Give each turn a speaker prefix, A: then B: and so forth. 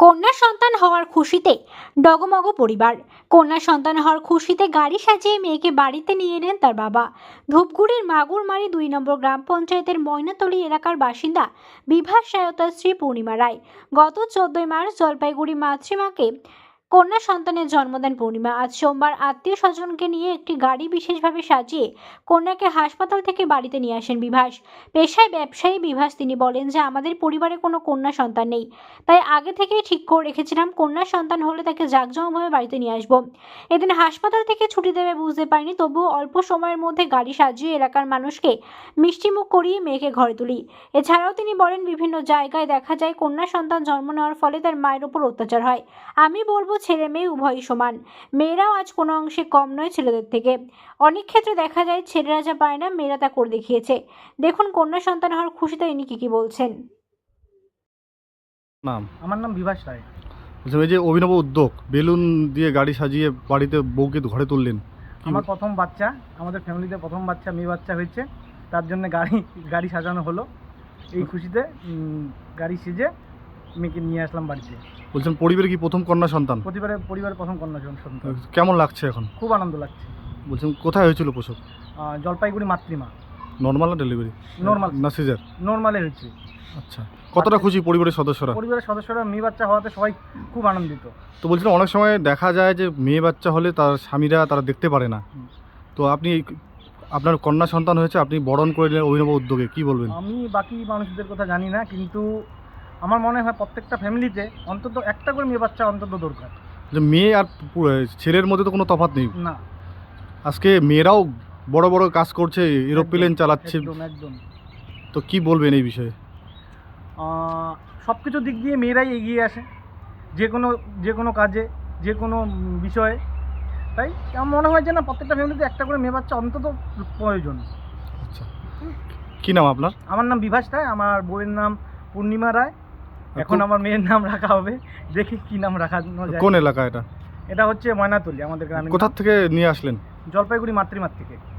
A: কন্যা সন্তান হওয়ার খুশিতে ডগমগ পরিবার। কন্যা সন্তান হওয়ার খুশিতে গাড়ি সাজিয়ে মেয়েকে বাড়িতে নিয়ে এলেন তার বাবা। ধূপগুড়ির মাগুরমারি ২ নম্বর গ্রাম পঞ্চায়েতের ময়নাতলী এলাকার বাসিন্দা বিভাস রায় ও তার স্ত্রী পূর্ণিমা রায় গত ১৪ মার্চ জলপাইগুড়ি মাতৃমাকে কন্যা সন্তানের জন্ম দেন পূর্ণিমা। আজ সোমবার আত্মীয় স্বজনকে নিয়ে একটি গাড়ি বিশেষভাবে সাজিয়ে কন্যাকে হাসপাতাল থেকে বাড়িতে নিয়ে আসেন বিভাস। পেশায় ব্যবসায়ী বিভাস। তিনি বলেন যে আমাদের পরিবারে কোনো কন্যা সন্তান নেই, তাই আগে থেকেই ঠিক করে রেখেছিলাম কন্যা সন্তান হলে তাকে জাঁকজমকভাবে বাড়িতে নিয়ে আসবো। এদিন হাসপাতাল থেকে ছুটি দেবে বুঝতে পারিনি, তবুও অল্প সময়ের মধ্যে গাড়ি সাজিয়ে এলাকার মানুষকে মিষ্টিমুখ করিয়ে মেয়েকে ঘরে তুলি। এছাড়াও তিনি বলেন বিভিন্ন জায়গায় দেখা যায় কন্যা সন্তান জন্ম নেওয়ার ফলে তার মায়ের উপর অত্যাচার হয়। আমি বলবো ছেলে মেয়ে উভয়ই সমান, মেয়েরাও আজ কোনো অংশে কম নয় ছেলেদের থেকে। অনেক ক্ষেত্রে দেখা যায় ছেলেরা যা পায় না মেয়েরা তা করে দেখিয়েছে। দেখুন কন্যা সন্তান হওয়ার খুশিতে ইনি কি বলছেন।
B: নাম?
C: আমার নাম বিভাস রায়।
B: বলছিলাম, এই যে অভিনব উদ্যোগ, বেলুন দিয়ে গাড়ি সাজিয়ে বাড়িতে বউকে ঘরে তুললেন।
C: আমার প্রথম বাচ্চা, আমাদের ফ্যামিলিতে প্রথম বাচ্চা মেয়ে বাচ্চা হয়েছে, তার জন্য গাড়ি সাজানো হলো। এই খুশিতে গাড়ি সেজে মেয়েকে নিয়ে আসলাম বাড়িতে।
B: বলছেন পরিবারে কি প্রথম কন্যা সন্তান?
C: পরিবারের প্রথম কন্যা সন্তান।
B: কেমন লাগছে এখন?
C: খুব আনন্দ লাগছে।
B: বলছেন কোথায় হয়েছিল প্রসব?
C: জলপাইগুড়ি মাতৃমা।
B: নর্মাল না ডেলিভারি?
C: নর্মাল
B: না সিজার?
C: নর্মালে হয়েছে।
B: আচ্ছা, কতটা খুশি পরিবারের সদস্যরা?
C: পরিবারের সদস্যরা মেয়ে বাচ্চা হওয়াতে সবাই খুব আনন্দিত।
B: তো বলছিলাম অনেক সময় দেখা যায় যে মেয়ে বাচ্চা হলে তার স্বামীরা তারা দেখতে পারে না, তো আপনি আপনার কন্যা সন্তান হয়েছে, আপনি বরণ করে নিলেন অভিনব উদ্যোগে, কি বলবেন?
C: আমি বাকি মানুষদের কথা জানি না, কিন্তু আমার মনে হয় প্রত্যেকটা ফ্যামিলিতে অন্তত একটা করে মেয়ে বাচ্চা অন্তত দরকার।
B: যে মেয়ে আর ছেলের মধ্যে তো কোনো তফাৎ নেই।
C: না,
B: আজকে মেয়েরাও বড় বড় কাজ করছে, এরোপ্লেন চালাচ্ছে,
C: একদম।
B: তো কি বলবেন এই বিষয়ে?
C: সব কিছু দিক দিয়ে মেয়েরাই এগিয়ে আসে, যে কোনো কাজে, যে কোনো বিষয়ে। তাই আমার মনে হয় যে না, প্রত্যেকটা ফ্যামিলিতে একটা করে মেয়ে বাচ্চা অন্তত প্রয়োজন।
B: আচ্ছা, কী নাম আপনার?
C: আমার নাম বিভাস রায়, আমার বউয়ের নাম পূর্ণিমা রায়। এখন আমার মেয়ের নাম রাখা হবে, দেখি কি নাম রাখা যায়।
B: কোন এলাকা এটা?
C: এটা হচ্ছে ময়নাতলী, আমাদের গ্রামে।
B: কোথা থেকে নিয়ে আসলেন?
C: জলপাইগুড়ি মাতৃমার থেকে।